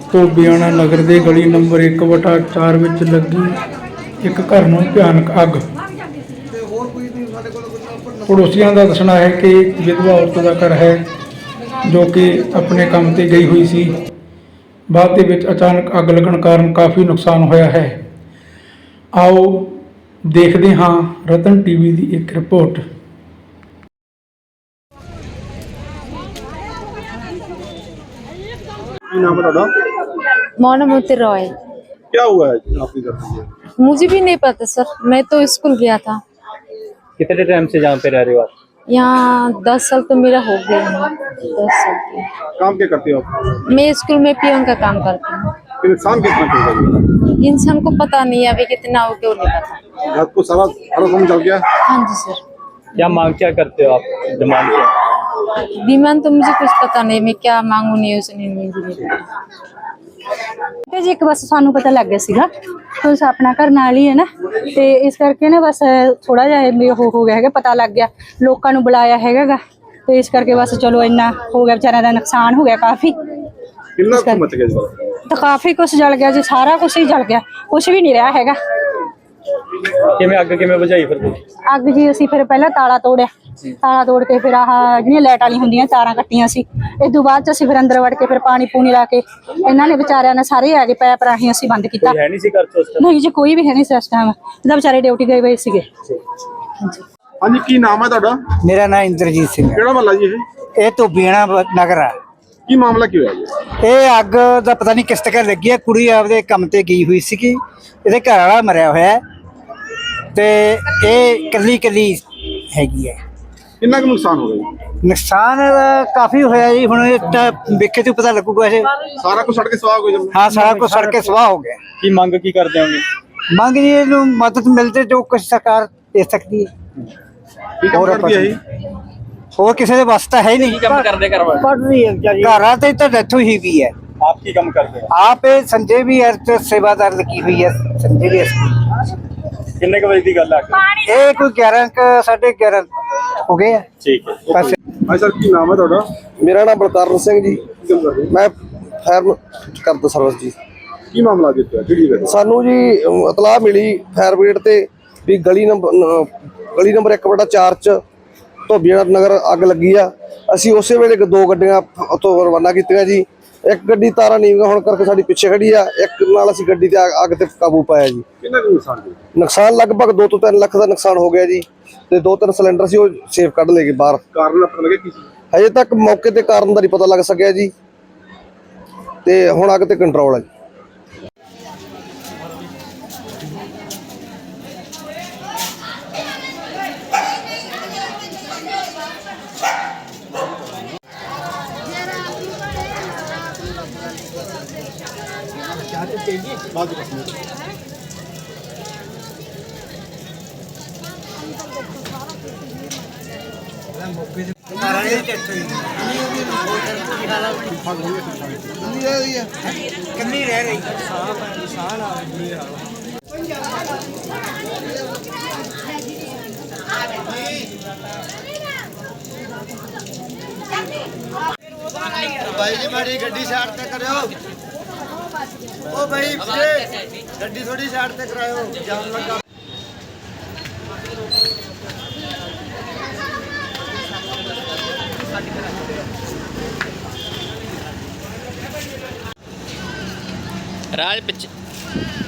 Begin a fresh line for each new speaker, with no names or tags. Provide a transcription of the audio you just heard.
ਧੋਬੀਆਣਾ ਨਗਰ ਦੇ ਗਲੀ ਨੰਬਰ 1/4 ਵਿੱਚ ਲੱਗੀ ਇੱਕ ਘਰ ਨੂੰ ਭਿਆਨਕ ਅੱਗ। ਪੜੋਸੀਆਂ ਦਾ ਦੱਸਣਾ ਹੈ ਕਿ ਵਿਧਵਾ ਔਰਤ ਦਾ ਘਰ ਹੈ ਜੋ ਕਿ ਆਪਣੇ ਕੰਮ ਤੇ ਗਈ ਹੋਈ ਸੀ। ਬਾਅਦ ਦੇ ਵਿੱਚ ਅਚਾਨਕ ਅੱਗ ਲੱਗਣ ਕਾਰਨ ਕਾਫੀ ਨੁਕਸਾਨ ਹੋਇਆ ਹੈ। ਆਓ ਦੇਖਦੇ ਹਾਂ ਰਤਨ ਟੀਵੀ ਦੀ ਇੱਕ ਰਿਪੋर्ट।
मोनामती रॉय।
क्या हुआ है आपके घर में?
मुझे भी नहीं पता सर, मैं तो स्कूल गया था।
कितने टाइम से जहाँ पे रह रहे हो आप?
यहाँ 10 साल तो मेरा हो गया है। 10 साल की।
काम क्या करते हो आप?
मैं स्कूल में पियोन का काम करती हूँ।
फिर नुकसान कितना होगा?
इंसान को पता नहीं है अभी कितना हो गया, नहीं पता।
घर को सारा काम चल गया?
हाँ जी सर।
क्या मांग क्या करते हो आप? डिमांड क्या?
डिमांड तो मुझे कुछ पता नहीं, मैं क्या मांगू नहीं उसने मुझे नहीं पता।
ਤੇ ਜੀ ਇੱਕ ਬਸ ਸਾਨੂੰ ਪਤਾ ਲੱਗ ਗਿਆ ਸੀਗਾ ਕਿ ਆਪਣਾ ਘਰ ਨਾਲ ਹੀ ਹੈ ਨਾ, ਤੇ ਇਸ ਕਰਕੇ ਨਾ ਬਸ ਥੋੜਾ ਜਿਹਾ ਵੀ ਉਹ ਹੋ ਗਿਆ ਹੈਗਾ, ਪਤਾ ਲੱਗ ਗਿਆ, ਲੋਕਾਂ ਨੂੰ ਬੁਲਾਇਆ ਹੈਗਾ, ਤੇ ਇਸ ਕਰਕੇ ਬਸ ਚਲੋ ਇੰਨਾ ਹੋ ਗਿਆ, ਵਿਚਾਰਿਆਂ ਦਾ ਨੁਕਸਾਨ ਹੋ ਗਿਆ ਕਾਫੀ।
ਕਿੰਨਾ ਕੁ ਮਚ ਗਿਆ ਜੀ?
ਤਾਂ ਕਾਫੀ ਕੁਝ ਜਲ ਗਿਆ ਜੀ, ਸਾਰਾ ਕੁਝ ਹੀ ਜਲ ਗਿਆ, ਕੁਝ ਵੀ ਨਹੀਂ ਰਿਹਾ ਹੈਗਾ।
ਕਿਵੇਂ ਅੱਗ ਕਿਵੇਂ ਬੁਝਾਈ ਫਿਰ ਤੁਸੀਂ?
ਅੱਗ ਜੀ ਅਸੀਂ ਫਿਰ ਪਹਿਲਾਂ ਤਾਲਾ ਤੋੜਿਆ, ਤਾਲਾ ਤੋੜ ਕੇ ਫਿਰ ਆਹ ਜਿਹੜੀਆਂ ਲਾਈਟ ਵਾਲੀ ਹੁੰਦੀਆਂ ਤਾਰਾਂ ਕੱਟੀਆਂ ਸੀ। ਇਸ ਤੋਂ ਬਾਅਦ ਚ ਅਸੀਂ ਫਿਰ ਅੰਦਰ ਵੜ ਕੇ ਫਿਰ ਪਾਣੀ ਪੂਣੀ ਲਾ ਕੇ ਇਹਨਾਂ ਨੇ ਵਿਚਾਰਿਆਂ ਨੇ ਸਾਰੇ ਆ ਗਏ, ਪੈਪ ਰਾਹੀਂ ਅਸੀਂ ਬੰਦ ਕੀਤਾ।
ਹੈ ਨਹੀਂ ਸੀ ਘਰ ਚ ਉਸ time?
ਨਹੀਂ ਜੀ ਕੋਈ ਵੀ ਹੈ ਨਹੀਂ ਸੀ ਇਸ ਟਾਈਮ, ਇਹਦਾ ਵਿਚਾਰੇ ਡਿਊਟੀ ਗਏ ਹੋਏ ਸੀਗੇ।
ਹਾਂਜੀ, ਕੀ ਨਾਮ ਹੈ ਤੁਹਾਡਾ?
मेरा नाम इंद्रजीत सिंह है।
ਕਿਹੜਾ ਮਹੱਲਾ ਜੀ ਇਹ?
ये तो बीणा नगर है।
ਕੀ ਮਾਮਲਾ ਕੀ ਹੋਇਆ ਜੀ?
ਇਹ ਅੱਗ ਦਾ ਪਤਾ ਨਹੀਂ ਕਿਸ ਤਰ੍ਹਾਂ ਲੱਗੀ ਹੈ। ਕੁੜੀ ਆਪਦੇ ਕੰਮ ਤੇ ਗਈ ਹੋਈ ਸੀਗੀ, ਇਹਦੇ ਘਰ ਵਾਲਾ ਮਰਿਆ ਹੋਇਆ ਹੈ ਤੇ ਇਹ ਕੱਲੀ ਹੈਗੀ ਹੈ।
ਕਿੰਨਾ ਕੁ ਨੁਕਸਾਨ ਹੋ ਗਿਆ ਜੀ?
ਨੁਕਸਾਨ ਕਾਫੀ ਹੋਇਆ ਜੀ। ਹੁਣ ਇਹ ਤਾਂ ਵੇਖੇ ਤੋਂ ਪਤਾ ਲੱਗੂਗਾ। ਇਹ
ਸਾਰਾ ਕੁਝ ਸੜ ਕੇ ਸਵਾਹ ਹੋ ਗਿਆ ਜੀ?
ਹਾਂ, ਸਾਰਾ ਕੁਝ ਸੜ ਕੇ ਸਵਾਹ ਹੋ ਗਿਆ।
ਕੀ ਮੰਗ ਕੀ ਕਰਦੇ ਹੋਗੇ?
ਮੰਗ ਜੀ ਇਹਨੂੰ ਮਦਦ ਮਿਲਦੇ ਜੋ ਕੁਝ ਸਰਕਾਰ ਦੇ ਸਕਦੀ ਹੈ।
ਕੀ ਕੰਮ ਕਰਦੀ ਹੈ ਇਹ?
ਹੋਰ ਕਿਸੇ ਦੇ ਵੱਸ ਤਾਂ ਹੈ ਹੀ ਨਹੀਂ।
ਕੀ ਕੰਮ ਕਰਦੇ ਘਰ ਵਾਲੇ?
ਪੜ ਰਹੀ ਹੈ ਵਿਚਾਰੀ, ਘਰਾਂ ਤੇ ਤਾਂ ਡੈਥ ਹੋਈ ਵੀ ਹੈ।
आप की काम करते हो?
आप संजय भी सेवादार लगी हुई है। संजय भी
किन्ने के बजे की गल है?
ये कोई 11 हो गए।
ठीक है।
बस
ਹਾਂ ਸਰ, ਕੀ ਨਾਮ ਹੈ ਤੁਹਾਡਾ?
ਮੇਰਾ ਨਾਮ ਬਲਕਾਰਨ ਸਿੰਘ ਜੀ, ਮੈਂ ਫਾਇਰ ਕਰਦਾ ਸਰਵਿਸ ਜੀ।
ਕੀ ਮਾਮਲਾ ਦਿੱਤਾ ਕਿਹੜੀ ਗੱਲ?
ਸਾਨੂੰ ਜੀ ਇਤਲਾਹ ਮਿਲੀ ਫਾਇਰ ਬ੍ਰਿਗੇਡ ਤੇ ਵੀ ਗਲੀ ਨੰਬਰ 1/4 ਚ ਧੋਬੀਆਣਾ ਨਗਰ ਅੱਗ ਲੱਗੀ ਆ। ਅਸੀਂ ਉਸੇ ਵੇਲੇ 2 ਗੱਡੀਆਂ ਉੱਥੋਂ ਰਵਾਨਾ ਕੀਤੀਆਂ ਜੀ। ਇੱਕ ਗੱਡੀ ਤਾਰਾਂ ਨੀਵੀਆਂ ਹੋਣ ਕਰਕੇ ਸਾਡੀ ਪਿੱਛੇ ਖੜੀ ਆ, ਇੱਕ ਨਾਲ ਅਸੀਂ ਗੱਡੀ ਤੇ ਅੱਗ ਤੇ ਕਾਬੂ ਪਾਇਆ ਜੀ।
ਕਿੰਨਾ ਕੁ ਨੁਕਸਾਨ ਜੀ?
ਨੁਕਸਾਨ ਲਗਭਗ 2 ਤੋਂ 3 ਲੱਖ ਦਾ ਨੁਕਸਾਨ ਹੋ ਗਿਆ ਜੀ, ਤੇ 2-3 ਸਿਲੰਡਰ ਸੀ ਉਹ ਸੇਫ ਕੱਢ ਲਏ ਗਏ ਬਾਹਰ।
ਕਾਰਨ ਪਤਾ ਲੱਗਿਆ ਕੀ ਸੀ?
ਹਜੇ ਤੱਕ ਮੌਕੇ ਤੇ ਕਾਰਨ ਦਾ ਨਹੀਂ ਪਤਾ ਲੱਗ ਸਕਿਆ ਜੀ, ਤੇ ਹੁਣ ਅੱਗ ਤੇ ਕੰਟਰੋਲ ਹੈ ਜੀ।
कमी रह गई।
भाई जी बड़ी गड्डी साइड ते करो। ओ भाई गड्डी थोड़ी साइड ते कराओ, जाम लगा।
राज